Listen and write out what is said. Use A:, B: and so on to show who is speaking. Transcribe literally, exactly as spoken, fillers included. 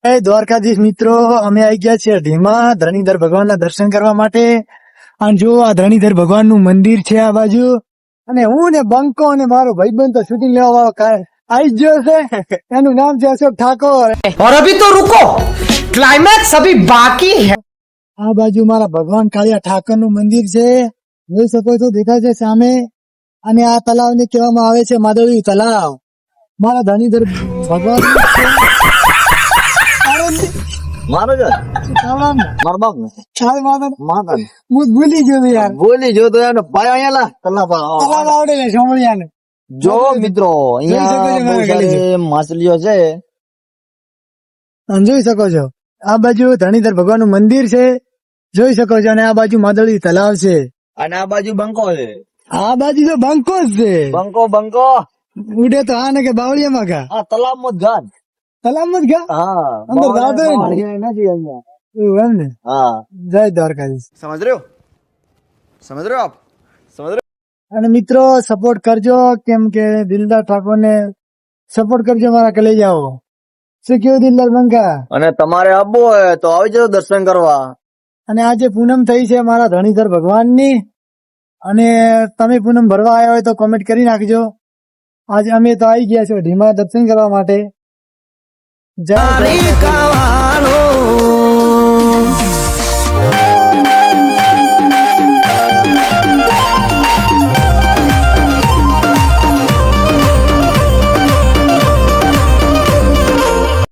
A: જય દ્વારકાધીશ મિત્રો, અમે આવી ગયા છીએ અઢીમાં ધરણીધર ભગવાનના દર્શન કરવા માટે. અને જો આ ધરણીધર ભગવાનનું મંદિર છે આ બાજુ. અને હું ને બંકો અને મારો ભાઈબંધ તો શૂટિંગ લેવા વાળો આવી જ ગયો છે. એનું નામ છે અશોક ઠાકોર.
B: और अभी तो रुको, क्लाइमैक्स अभी बाकी है.
A: આ બાજુ મારા ભગવાન કાળિયા ઠાકર નું મંદિર છે, જોઈ શકો છો, દેખાય છે સામે. અને આ તલાવને કહેવામાં આવે છે માધવી તલાવ. મારા ધરણીધર ભગવાન
C: મારો જ મારો બાપ ને માતા
A: હું ભૂલી ગયો યાર.
C: બોલી જો તો એનો ભાઈ અહીંયા તલાવ
A: તલાવ આવડે ને સોમળિયાને.
C: જો મિત્રો અહીંયા બહુ સારી માછલીઓ છે.
A: તમે જોઈ શકો છો આ બાજુ ધરણીધર ભગવાન નું મંદિર છે, જોઈ શકો છો. અને આ બાજુ માદળી તલાવ છે,
C: અને આ બાજુ બંકો છે.
A: આ બાજુ તો બંકો જ છે.
C: બંકો બંકો
A: ઉડે તો આ ને કે બાવળિયામાં ગા
C: આ તલાવ માં જ ગાન.
A: તલાવમાં જ ગા
C: હા
A: અંદર જાતો હોય ને.
C: બાવળિયા નથી અહીંયા.
A: એવું એમ ને.
C: હા
A: જય દ્વારકાધીશ.
D: समझ रहे हो समझ रहे हो आप समझ रहे हो
A: અને મિત્રો સપોર્ટ કરજો, કેમ કે દિલદાર ઠાકોર ને સપોર્ટ કરજો મારા કલેજાઓ. શું કેવું દિલદાર બંકા?
C: અને તમારે આવવું હોય તો આવી જજો દર્શન કરવા.
A: અને આજે પૂનમ થઈ છે મારા ધરણીધર ભગવાનની. અને તમે પૂનમ ભરવા આવ્યા હોય તો કોમેન્ટ કરી નાખજો. આજે અમે તો આવી ગયા છો ઢીમા દર્શન કરવા માટે. જય દ્વારકાધીશ.